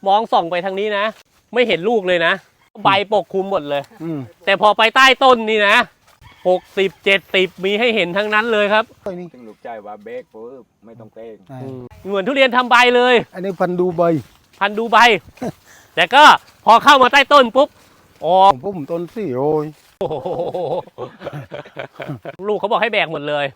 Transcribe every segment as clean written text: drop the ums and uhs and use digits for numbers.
มองส่องไปทางนี้นะไม่เห็นลูกเลยนะใบปกคลุมหมดเลยแต่พอไปใต้ต้นนี่นะ60-70มีให้เห็นทั้งนั้นเลยครับถึงลูกใจว่าเบรกปุ๊บไม่ต้องเต้งเหมือนทุเรียนทำใบเลยอันนี้พันดูใบแต่ก็พอเข้ามาใต้ต้นปุ๊บอ๋อผมต้นสี่โอ้ยลูกเขาบอกให้แบกหมดเลย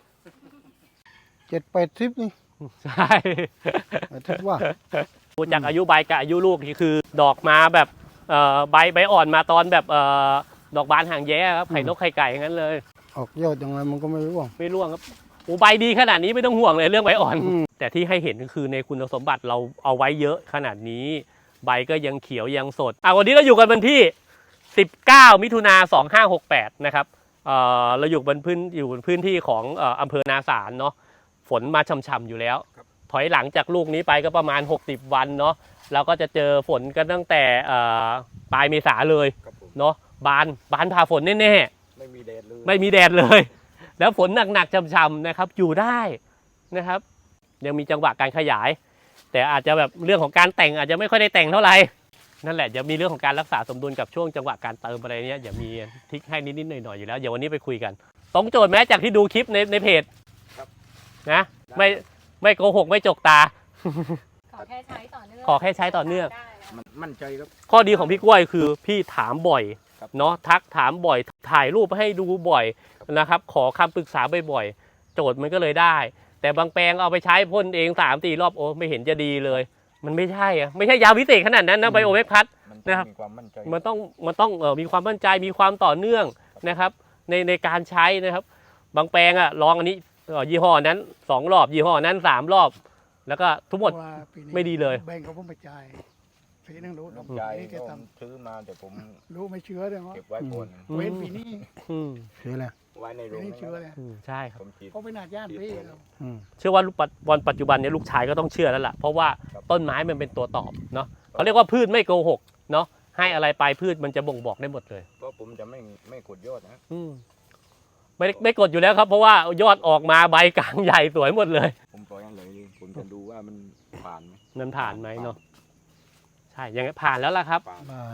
7-80นี่ใช่คิดว่าดูจากอายุใบกับอายุลูกนี่คือดอกมาแบบใบอ่อนมาตอนแบบดอกบานหางแย้ครับไข่นกไข่ไก่อย่างนั้นเลยออกยอดยังไงมันก็ไม่ร่วงครับโอ้ใบดีขนาดนี้ไม่ต้องห่วงเลยเรื่องใบอ่อนแต่ที่ให้เห็นก็คือในคุณสมบัติเราเอาไว้เยอะขนาดนี้ใบก็ยังเขียวยังสดวันนี้เราอยู่กันวันที่19 มิถุนายน 2568นะครับเราอยู่บนพื้นที่ของอำเภอนาสารเนาะฝนมาช่ำๆอยู่แล้วถอยหลังจากลูกนี้ไปก็ประมาณ60วันเนาะเราก็จะเจอฝนกันตั้งแต่ปลายเมษาเลยเนาะบานผ่าฝนแน่ๆไม่มีแดดเลยแล้วฝนหนักๆช่ำๆนะครับอยู่ได้นะครับยังมีจังหวะการขยายแต่อาจจะแบบเรื่องของการแต่งอาจจะไม่ค่อยได้แต่งเท่าไหร่นั่นแหละจะมีเรื่องของการรักษาสมดุลกับช่วงจังหวะการเติมอะไรเนี้ยอย่ามีทิกให้นิดๆหน่อยๆอยู่แล้วเดี๋ยววันนี้ไปคุยกันตรงโจทย์แม้จากที่ดูคลิปในเพจนะไม่โกหกไม่จกตาขอแค่ใช้ต่อเนื่องมั่นใจครับข้อดีของพี่กล้วยคือพี่ถามบ่อยเนาะทักถามบ่อยถ่ายรูปให้ดูบ่อยนะครับขอคำปรึกษาบ่อยๆโจทย์มันก็เลยได้แต่บางแปลงเอาไปใช้พ่นเอง 3-4 รอบโอ้ไม่เห็นจะดีเลยมันไม่ใช่ยาวิเศษขนาดนั้นนะไบโอเวกพัดนะครับมันต้องมีความมั่นใจมีความต่อเนื่องนะครับในการใช้นะครับบางแปลงลองอันนี้ยี่ห้อนั้น2 รอบยี่ห้อนั้น3 รอบแล้วก็ทุกหมดไม่ดีเลยแบ่งเขาผมไปจ่ายปีนึงรู้น้ำใจผมซื้อมาแต่ผมรู้ไม่เชื่อเลยเก็บไว้ก่อนเว้นปีนี้เชื่อแล้วไว้ในโรงเชื่อเลยใช่ครับเขาเป็นอาญาติพี่เชื่อว่าวันปัจจุบันนี้ลูกชายก็ต้องเชื่อแล้วล่ะเพราะว่าต้นไม้มันเป็นตัวตอบเนาะเขาเรียกว่าพืชไม่โกหกเนาะให้อะไรไปพืชมันจะบ่งบอกได้หมดเลยเพราะผมจะไม่กดยอดนะไม่กดอยู่แล้วครับเพราะว่ายอดออกมาใบกลางใหญ่สวยหมดเลยผมปล่อยเลยผมจะดูว่ามันผ่านไหมเนาะใช่ยังผ่านแล้วล่ะครับ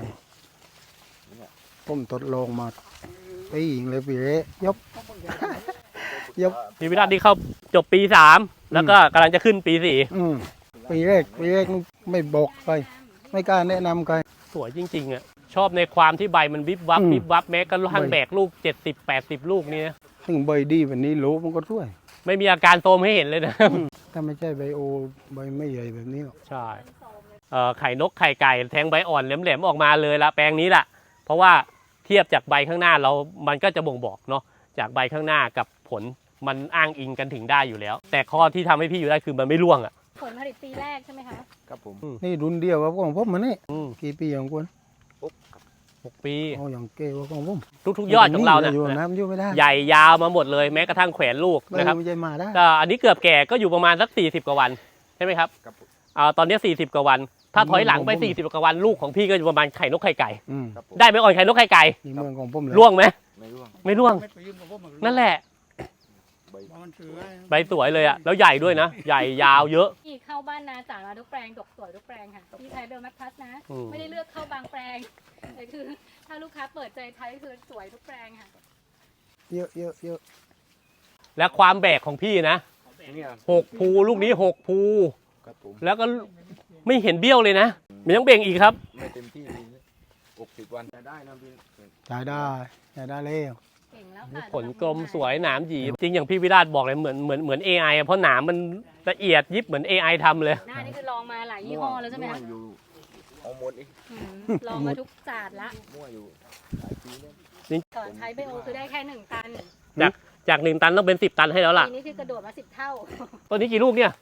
ผมทดลองมาปีอีกเลยปีเละยกพี่วิราชที่เข้าจบปี3แล้วก็กำลังจะขึ้นปี4 ปีแรกไม่บอกใครไม่กล้าแนะนำใครสวยจริงๆชอบในความที่ใบมันวิบวับแม้กระทั่งแบกลูก70-80 ลูกนี่นะถึงใบดีแบบนี้รู้มันก็ช่วยไม่มีอาการโทรมให้เห็นเลยนะถ้าไม่ใช่ใบโอใบไม่ใหญ่แบบนี้หรอกใช่ไข่นกไข่ไก่แทงใบอ่อนแหลมๆออกมาเลยละแปลงนี้แหละเพราะว่าเทียบจากใบข้างหน้ามันก็จะบ่งบอกเนาะจากใบข้างหน้ากับผลมันอ้างอิงกันถึงได้อยู่แล้วแต่ข้อที่ทำให้พี่อยู่ได้คือมันไม่ร่วงผลผลิตปีแรกใช่ไหมคะครับผมนี่รุ่นเดียวกับของผมมันนี่กี่ปีของคุณ 6 ปีอย่างเก๋กว่าของผมทุกยอดของเราเนี่ยใหญ่ยาวมาหมดเลยแม้กระทั่งแขวนลูกนะครับอันนี้เกือบแก่ก็อยู่ประมาณสัก40 กว่าวันใช่ไหมครับตอนนี้40 กว่าวันถ้าถอยหลังไป40 กว่าวันลูกของพี่ก็อยู่ประมาณไข่นกไข่ไก่ได้ไหมอ่อนไข่นกไข่ไก่ร่วงไหมไม่ร่วงนั่นแหละใบสวยเลยแล้วใหญ่ด้วยนะใหญ่ยาวเยอะที่เข้าบ้านนาจ่ามาทุกแปลงดกสวยทุกแปลงค่ะที่ใช้เบลแมคพัสนะไม่ได้เลือกเข้าบางแปลงแต่คือถ้าลูกค้าเปิดใจใช้คือสวยทุกแปลงค่ะเยอะและความแบกของพี่นะ6 ภูลูกนี้6 ภูแล้วก็ไม่เห็นเบี้ยวเลยนะมันยังเบ่งอีกครับไม่เต็มที่60 วันจะได้นะพี่ได้แล้วผลกลมสวยหนามหยีจริงอย่างพี่วิราชบอกเลยเหมือน AI เพราะหนามมันละเอียดยิบเหมือน AI ทำเลยหน้านี่คือลองมาหลายยี่ห้อแล้วใช่ไหมคะเอาหมดอีกลองมาทุกศาสตร์ละมั่วอยู่หลายปีแล้วก่อนใช้ไบโอคือได้แค่1 ตันจาก1 ตันต้องเป็น10 ตันให้แล้วล่ะปีนี้คือกระโดดมา10 เท่าต้นนี้กี่ลูกเนี่ย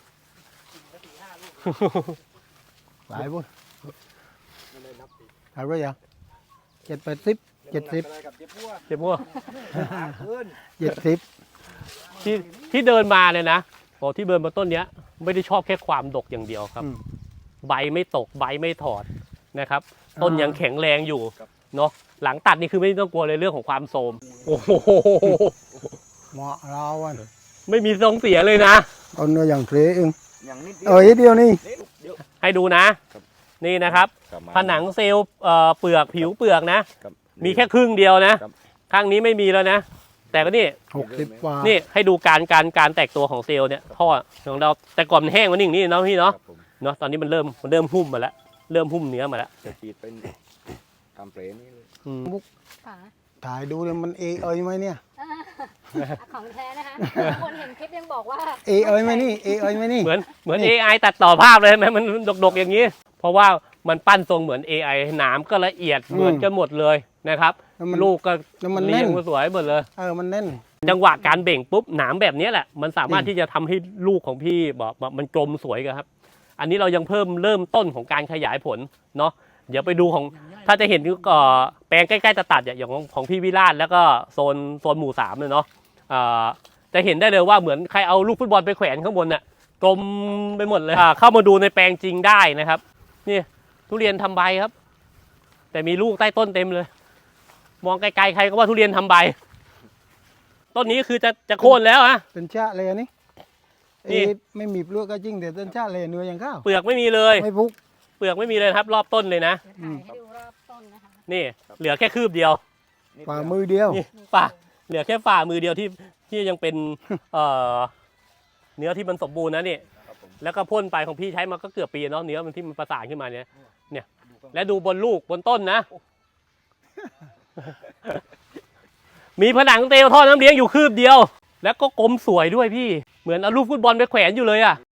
หลายบุญหลายก็ยัง70เจ็บมั่วที่เดินมาเนี่ยนะบอกที่เดินมาต้นเนี้ยไม่ได้ชอบแค่ความดกอย่างเดียวครับใบไม่ตกใบไม่ถอดนะครับต้นยังแข็งแรงอยู่เนาะหลังตัดนี่คือไม่ต้องกลัวเลยเรื่องของความโทรมโอ้โหเหมาะเราไม่มีทรงเสียเลยนะต้นเนื้ออย่างเทเองเดียวนี่ให้ดูนะนี่นะครับกลับมาผนังเซลล์เปลือกผิวเปลือกนะครับมีแค่ครึ่งเดียวนะครับ ข้างนี้ไม่มีแล้วนะ แต่ก็นี่ 60 กว่านี่ให้ดูการแตกตัวของเซลล์เนี่ยท่อของเราแต่ก่อนมันแห้งกว่านี้อย่างนี้เนาะพี่คเนาะรับผมเนาะตอนนี้มันเริ่มหุ้มมาแล้วเริ่มหุ้มเนื้อมาแล้วจะฉีดเป็นทำเปรย์นี่เลยอืมค่ะถ่ายดูเลยมันเอยไหมเนี่ยของแท้นะคะคนเห็นคลิปยังบอกว่าเอยไหมนี่เอยไหมนี่เหมือน AI ตัดต่อภาพเลยไหมมันดกๆอย่างนี้ เพราะว่ามันปั้นทรงเหมือน AI หนามก็ละเอียดเหมือนกันหมดเลยนะครับแล้วมันลูกก็แล้วมันเรีแน่ยงนมาสวยหมดเลยมันแน่นจังหวะการเบ่งปุ๊บหนามแบบนี้แหละมันสามารถจริงที่จะทำให้ลูกของพี่บอกมันกลมสวยกันครับ อันนี้เรายังเริ่มต้นของการขยายผลเนาะเดี๋ยวไปดูของถ้าจะเห็นแปลงใกล้ๆจะตัดอย่างของพี่วิราชแล้วก็โซนหมู่3เลยเนาะจะเห็นได้เลยว่าเหมือนใครเอาลูกฟุตบอลไปแขวนข้างบนน่ะกลมไปหมดเลยเข้ามาดูในแปลงจริงได้นะครับนี่ทุเรียนทำใบครับ แต่มีลูกใต้ต้นเต็มเลย มองไกลๆใครก็ว่าทุเรียนทำใบ ต้นนี้คือจะโค่นแล้วอะเป็นชาเลยอันนี่นี่ไม่มีเปลือกก็จริงแต่เป็นชาเลยเนื้อยังข้าวเปลือกไม่มีเลยไม่พุกเปลือกไม่มีเลยครับ รอบต้นเลยนะเดี๋ยวถ่ายให้ดูรอบต้นนะคะนี่เหลือแค่คืบเดียวนิดฝ่าเดียวมือเดียวนี่ฝ่าเหลือแค่ฝ่ามือเดียวที่ยังเป็นเนื้อที่มันสมบูรณ์นะนี่ครับผมแล้วก็พ่นไปของพี่ใช้มาก็เกือบปีเนาะเนื้อมันที่มันประสานขึ้นมาเนี่ยและดูบนลูกบนต้นนะ มีผนังเตลท่อน้ำเลี้ยงอยู่คืบเดียว แล้วก็กลมสวยด้วยพี่เหมือนเอาลูกฟุตบอลไปแขวนอยู่เลยอะ